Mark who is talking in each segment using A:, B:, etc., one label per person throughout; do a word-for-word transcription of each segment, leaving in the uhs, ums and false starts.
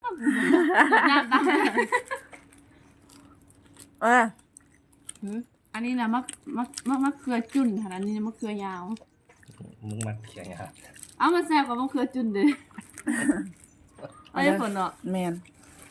A: หน้าตา
B: เออ
A: อันนี้นะมะมะมะมะเขือจุ่นค่ะอันนี้มะเขือยาว
C: มึงมาเขียงครับ
A: เอามาแซ่บกับมะเขือจุ่นเด้อเอาได้ผลเนาะ
B: แมน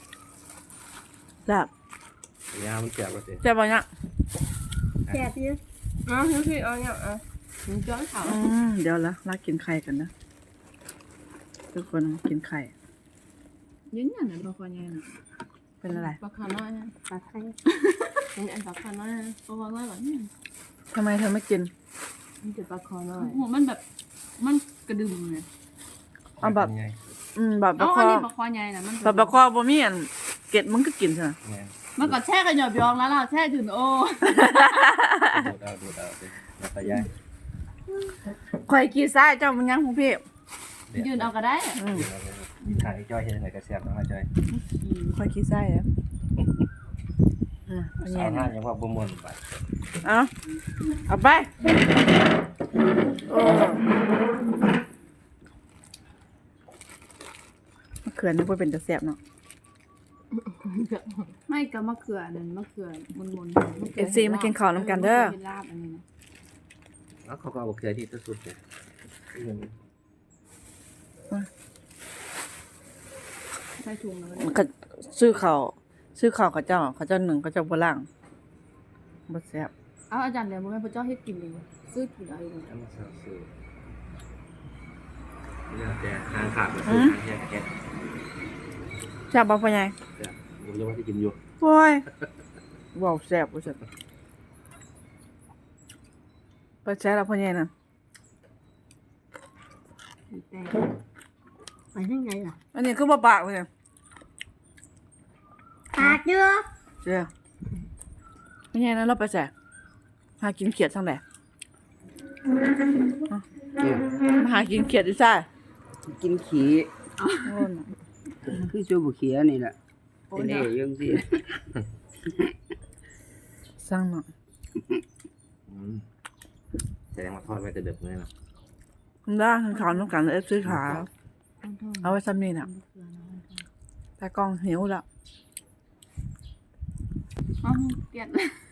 B: จับ
C: ยาวมันเจ็บก็สิ
B: จับบ่เนี่ย
D: แซ่บอยู่
A: อ๋อพี่เอาเนี่ยอ่ะถึงจ้อนเขา
B: อืมเดี๋ยวละลากินไข่กันนะทุกคนกินไข่
A: ยืนยันเลยปลาคอใหญ่น่ะ
B: เป็นอะไร
A: ปลาคอน้อยนะ
D: ปลาไข่
A: เป็นอันปลาคอน้อยนะปลาคอน้อยหรอเนี่ย
B: ทำไมเธอไม่กิน
A: มันเป็นปลาคอน้อยหัวมันแบบมันกระดึมเลย
B: เอาแบบ อืมแบบป
A: อ๋
B: ลา
A: อ
B: ค
A: อัน
B: อ
A: นี้ปลาคอใหญ่น่ะมัน
B: แบบปลาคอบ่มีอันเกล็ดมันก็กินใช่ไหม
A: มันก็แช่กันหยอบยองแล้วล่ะแช่ถึงโอ้
C: ดูดเอาดูดเอาสิแล้วก็ย้าย
B: ข่อยขี้ซ้ายเจ้ามันยังของพี่
A: ยืนเอาก็ได้
B: อืม
C: ถ่ายจ้อยเห็นไหนก็แซ่บน้องจ้อย
B: ข่อยขี้ซ้ายแล้วอืมเอา
C: สา
B: แย่
C: วห้า
B: นะ
C: ยังว่าบ่มวนไป
B: เอาเอาไปโอ้มะเขือนี่บ่เป็นตะแซ่บเนาะ
A: ไม่กับมะเขือนั่นมะเขือมุนๆ
B: เอฟซีมากินข้าวน้ำกันเด้อ
A: ลาบอันนี้นะ
C: แล้วเขาก็เอาเกลือที่สุดเลย
A: ใส่ถุงแล้ว
B: มันก็ซื้อข้าวซื้อข้าวเขาเจ้าเขาเจ้าหนึ่งเขาเจ้าบ่ล่างบ่แซ่บ
A: เอาอาจารย์เดี๋ยวมึงให้พระเจ้าให้กินเลยซื้อกินอะไรเลย
C: น้ำมันซอสสูเนี่ยแต่ทางขาดก็คือทางแค่แค่
B: แซ่บบ่พ่อใหญ่
C: ผมยังว่าที่กินอยู่
B: โอ้ยว้าวแซ่บบ่แซ่บไปแซ่บแล้วพ่อใหญ่น่ะ
A: แต่
D: ไปยังไงล่ะ
B: อันนี้คือบ่ปากเลย
D: ปากเยอะ
B: เจ้าพ่อใหญ่นั้นเราไปแซ่หากินเขียดทางใดมาหากินเขียดอีซ่า
E: กินขี้
B: โอ้ย
E: คือจูบุเขียนี่แหละเป็นเอ๋ยังสิ
B: สร้างเนาะ
C: แสดงว่าทอดไว้แต่เด็กเลยนะ
B: ได้ทางขาวน้ำกันเอฟซีขาเอาไว้ซ้ำนี่น่ะแต่กล้องหิวแล้ว
A: อ๋อเกลียด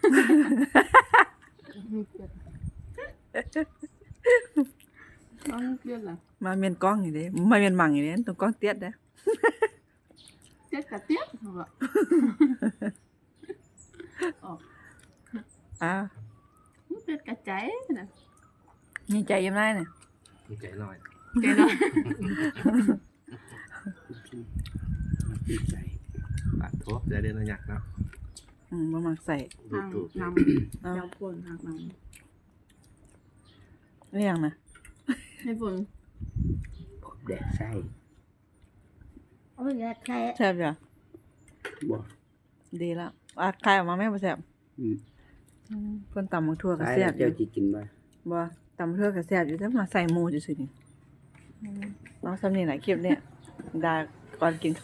A: อ๋อเกลียดเหรอ
B: มาเมียนกล้องอยู่เด้มาเมียนหมั่งอยู่เด้ตรงกล้องเตี้ยเด้
A: เจ็ดกับเตี้ยเหรอ
B: อ่า
A: เจ็ดกับใจนะ
B: มีใจยังไงเนี่ย
C: มีใจหน่อย
A: เจ๊เนาะ
E: ดีใจ
C: ปาดทั่วจะได้ระยะเนาะ
B: อืมประมาณใส่
C: ดู
A: ทาง
C: ดู
A: น
B: เอา
A: ำยำปนทางน
B: เรื่องนะ
A: ำให้ฝน
E: แดดไส้
D: เอาไปแยกไข่
B: แซ่บจ้ะ
E: บ่
B: ดีแล้วอ่ะใครออกมาแม่บ่แซ่บ
E: อืม
B: เพิ่นตำบักทั่วก็
E: ตาย
B: แซ่
E: แล้
B: บ
E: ว
B: อ
E: เจ้า
B: ยู่
E: จิกินบ่
B: บ่ตำบักทั่วก็แซ่บอยู่แต่มาใส่หมูซื่อๆนี่น้องซ้ำนี่แหละคลิปเนี่ยดาก่อนกิน